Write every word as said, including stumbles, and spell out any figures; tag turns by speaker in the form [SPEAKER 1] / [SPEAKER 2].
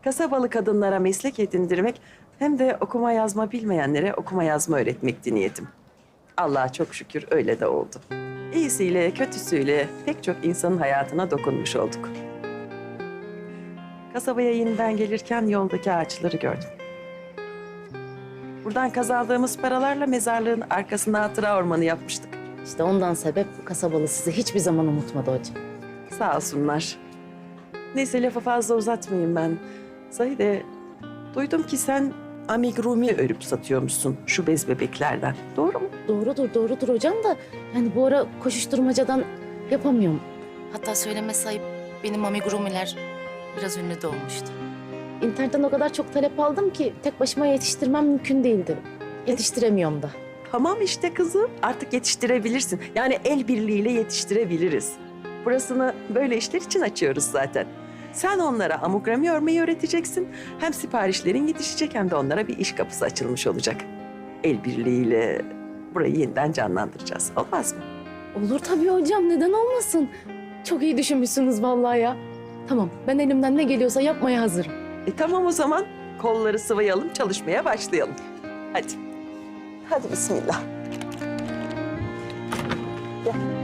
[SPEAKER 1] kasabalı kadınlara meslek edindirmek hem de okuma yazma bilmeyenlere okuma yazma öğretmekti niyetim. Allah'a çok şükür öyle de oldu. İyisiyle kötüsüyle pek çok insanın hayatına dokunmuş olduk. Kasabaya yeniden gelirken yoldaki ağaçları gördüm. Buradan kazandığımız paralarla mezarlığın arkasına hatıra ormanı yapmıştık.
[SPEAKER 2] İşte ondan sebep bu kasabalı sizi hiçbir zaman unutmadı hocam.
[SPEAKER 1] Sağ olsunlar. Neyse lafı fazla uzatmayayım ben. Zahide, duydum ki sen amigurumi örüp satıyormuşsun şu bez bebeklerden. Doğru mu?
[SPEAKER 2] Doğrudur, doğrudur hocam da yani bu ara koşuşturmacadan yapamıyorum. Hatta söyleme sayıp benim amigurumiler biraz ünlü de olmuştu. İnternetten o kadar çok talep aldım ki tek başıma yetiştirmem mümkün değildi. Yetiştiremiyorum da.
[SPEAKER 1] Tamam işte kızım. Artık yetiştirebilirsin. Yani el birliğiyle yetiştirebiliriz. Burasını böyle işler için açıyoruz zaten. Sen onlara amigurumi örmeyi öğreteceksin. Hem siparişlerin yetişecek hem de onlara bir iş kapısı açılmış olacak. El birliğiyle burayı yeniden canlandıracağız. Olmaz mı?
[SPEAKER 2] Olur tabii hocam, neden olmasın? Çok iyi düşünmüşsünüz vallahi ya. Tamam, ben elimden ne geliyorsa yapmaya hazırım.
[SPEAKER 1] E tamam o zaman. Kolları sıvayalım, çalışmaya başlayalım. Hadi. Hadi bismillah. Gel.